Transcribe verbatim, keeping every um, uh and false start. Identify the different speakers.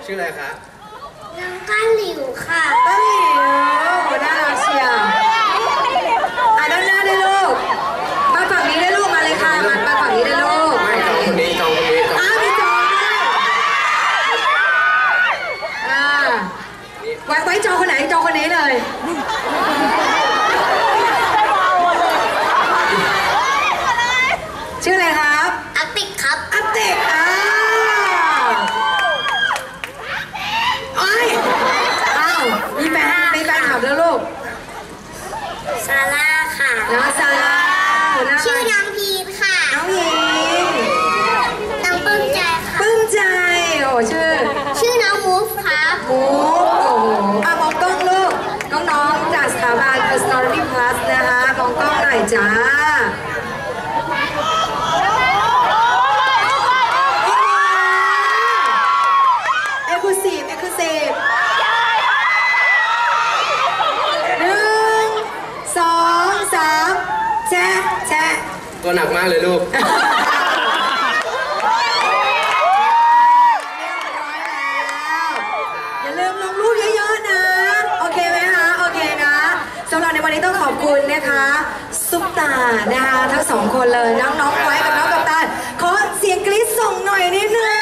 Speaker 1: ชื่ออะไรคะ
Speaker 2: น้องก้านหลิวค่ะ
Speaker 3: ก้านหลิวน่ารักเชียวอ่ะด้านหน้าได้ลูกมาฝั่งนี้ได้ลูกมาเลยค่ะมามาฝั่งนี้ได้ลูก
Speaker 1: ไม่จองคนนี้จองคนนี้จอง
Speaker 3: อ้าวมีจองด้วยอ่าไว้ไว้จองคนไหนจองคนนี้เลยชื่ออะไรครับ
Speaker 2: อาติกครับ
Speaker 3: อาติกอ่าโอ้ยอ้าวมีแฟนมีแฟนถามแล้วลูก
Speaker 2: ซาร่าค่ะ
Speaker 3: น้องซาร่า
Speaker 2: ชื่อน้องพีทค่ะ
Speaker 3: น้องพีท
Speaker 2: น้องปลื้มใจค่ะ
Speaker 3: ปลื้มใจโอ้ชื่อ
Speaker 2: ชื่อน้องมูฟครับ
Speaker 3: มูฟโอ้โหอ่ะมองกล้องลูกน้องๆจากสถาบัน Personality Plus นะคะมองกล้องหน่อยจ้าเอ็กซ์คลูซีฟเอ็กซ์คลูซีฟหนึ่งสองสามแชะแชะ
Speaker 1: ตัวหนักมากเลยลูก
Speaker 3: อย่าลืมลงรูปเยอะๆนะโอเคไหมคะโอเคนะสำหรับในวันนี้ต้องขอบคุณนะคะซุปตานะคะทั้งสองคนเลยน้องๆไว้กับน้องกัปตันขอเสียงกรี๊ดส่งหน่อยนิดนึง